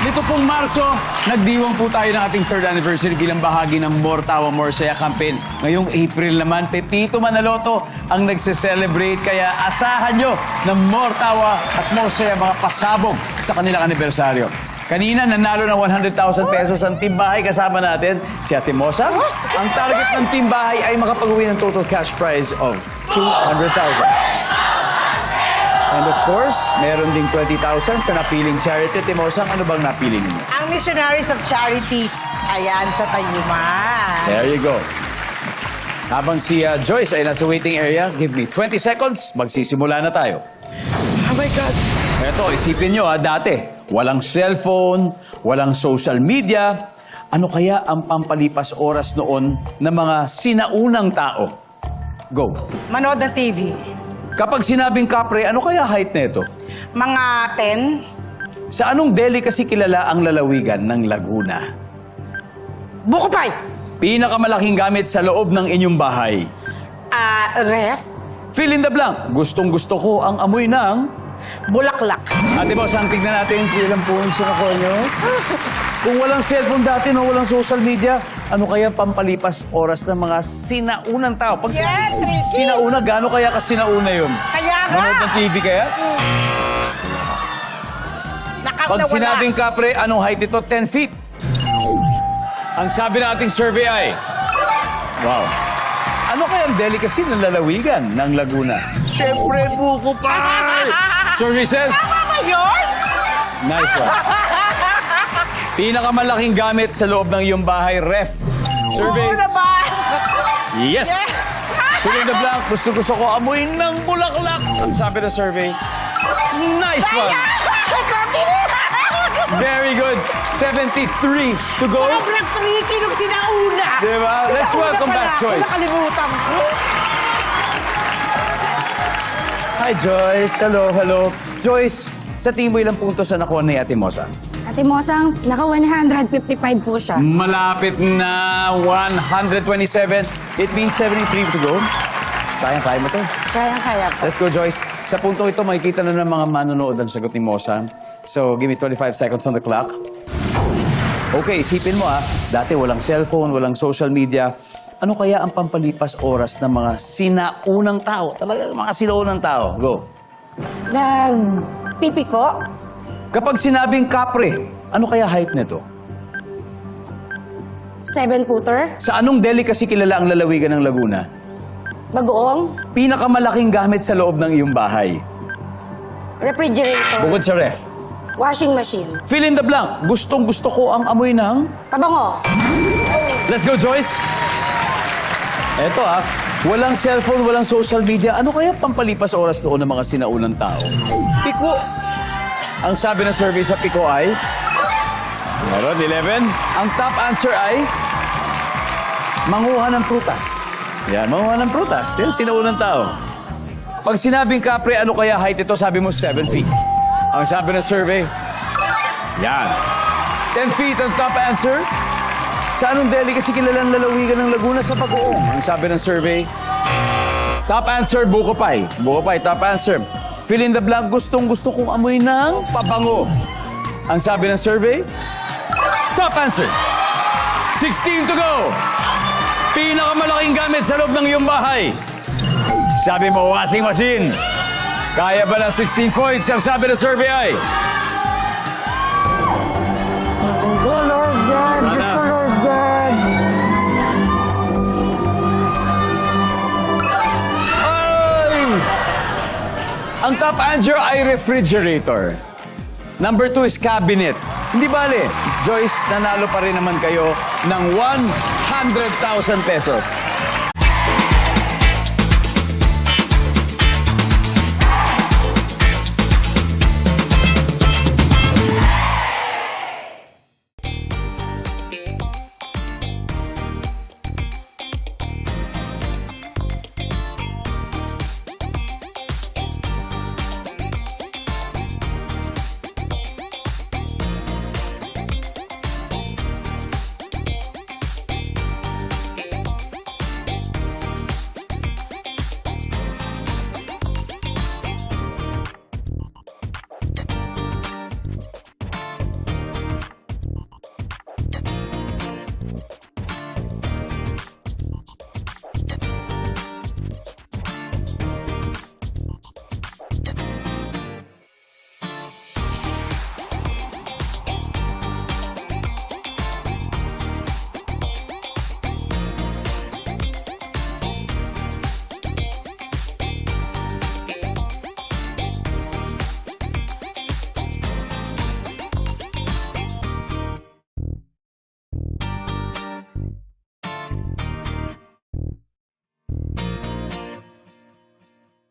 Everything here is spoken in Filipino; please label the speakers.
Speaker 1: Nito pong Marso, nagdiwang po tayo ng ating third anniversary bilang bahagi ng More Tawa, More Saya campaign. Ngayong April naman, Pepito Manaloto ang nagse-celebrate. Kaya asahan nyo ng More Tawa at More Saya mga pasabog sa kanilang anibersaryo. Kanina, nanalo ng 100,000 pesos ang Team Bahay. Kasama natin si Ate Mosa. Ang target ng Team Bahay ay makapag-uwi ng total cash prize of 200,000. And of course, meron ding 20,000 sa napiling charity. Timosang, ano bang napili ninyo?
Speaker 2: Ang Missionaries of Charities. Ayan, sa Tayuman.
Speaker 1: There you go. Habang si Joyce ay nasa waiting area, give me 20 seconds, magsisimula na tayo.
Speaker 2: Oh my God.
Speaker 1: Eto, isipin nyo dati, walang cellphone, walang social media. Ano kaya ang pampalipas oras noon ng mga sinaunang tao? Go.
Speaker 2: Manood ng TV.
Speaker 1: Kapag sinabing kapre, ano kaya height nito?
Speaker 2: Mga 10.
Speaker 1: Sa anong delicacy kilala ang lalawigan ng Laguna?
Speaker 2: Bukopay.
Speaker 1: Pinakamalaking gamit sa loob ng inyong bahay.
Speaker 2: Ref.
Speaker 1: Fill in the blank. Gustong-gusto ko ang amoy ng...
Speaker 2: Bulaklak.
Speaker 1: Ate Boss, ang tignan natin kung ilang points na nakuha nyo. Kung walang cellphone dati, no, walang social media, ano kaya pampalipas oras ng mga sinaunang tao? Pag
Speaker 2: Yes, Ricky!
Speaker 1: sinauna, gaano kaya ka sinauna yun?
Speaker 2: Kaya nga.
Speaker 1: Manood ng TV kaya? Pag sinabing kapre, anong height ito? 10 feet. Ang sabi ng ating survey ay... Wow. Ano kaya ang delicacy ng lalawigan ng Laguna? Siyempre, buko pie! Survey says...
Speaker 2: Tama ba yun?
Speaker 1: Nice one. Pinakamalaking gamit sa loob ng iyong bahay, ref. Survey.
Speaker 2: Oo naman.
Speaker 1: Yes!
Speaker 2: Yes!
Speaker 1: Fill in the blank. Gusto ko amoy ng bulaklak. Ang sabi ng survey. Nice one. Very good. 73 to go.
Speaker 2: Sobrang tricky nung sinauna.
Speaker 1: Diba? Let's welcome back Joyce.
Speaker 2: Nakalimutan ko.
Speaker 1: Hi, Joyce. Hello, hello. Joyce, sa tingin mo ilang puntos na nakuha ni Ate Mosa?
Speaker 3: Ate Mosang, naka 155 po siya.
Speaker 1: Malapit na 127. It means 73 to go. Kaya mo to.
Speaker 3: Kayang-kaya po.
Speaker 1: Let's go, Joyce. Sa puntong ito, makikita na ng mga manonood ang sagot ni Mosa. So, give me 25 seconds on the clock. Okay, isipin mo dati walang cellphone, walang social media. Ano kaya ang pampalipas oras ng mga sinaunang tao? Talaga, mga sinaunang tao. Go.
Speaker 3: Nagpipiko?
Speaker 1: Kapag sinabing kapre, ano kaya height nito?
Speaker 3: 7-footer?
Speaker 1: Sa anong delicacy kilala ang lalawigan ng Laguna?
Speaker 3: Bagoong?
Speaker 1: Pinakamalaking gamit sa loob ng iyong bahay.
Speaker 3: Refrigerator?
Speaker 1: Bukod sa ref.
Speaker 3: Washing machine?
Speaker 1: Fill in the blank. Gustong-gusto ko ang amoy ng...
Speaker 3: Kabango?
Speaker 1: Let's go, Joyce! Eto walang cellphone, walang social media. Ano kaya pampalipas oras noon ng mga sinaunang tao? Piko. Ang sabi ng survey sa Piko ay... Meron, 11. Ang top answer ay... Manguha ng prutas. Yan, manguha ng prutas. Yan, sinaunang tao. Pag sinabing kapre, ano kaya height ito? Sabi mo, 7 feet. Ang sabi ng survey... Yan. 10 feet ang top answer. Sa anong delicacy kilalang lalawigan ng Laguna? Sa Bagoong. Ang sabi ng survey, top answer, Bukopay. Bukopay, top answer. Fill in the blank, gustong-gusto kong amoy ng pabango. Ang sabi ng survey, top answer. 16 to go. Pinakamalaking gamit sa loob ng iyong bahay. Sabi mo, washing machine. Kaya ba ng 16 points? Ang sabi ng survey ay...
Speaker 3: Oh, Lord God! Diyos ko, Lord God!
Speaker 1: Ay! Ang top answer ay refrigerator. Number 2 is cabinet. Hindi bale, Joyce, nanalo pa rin naman kayo ng 100,000 pesos.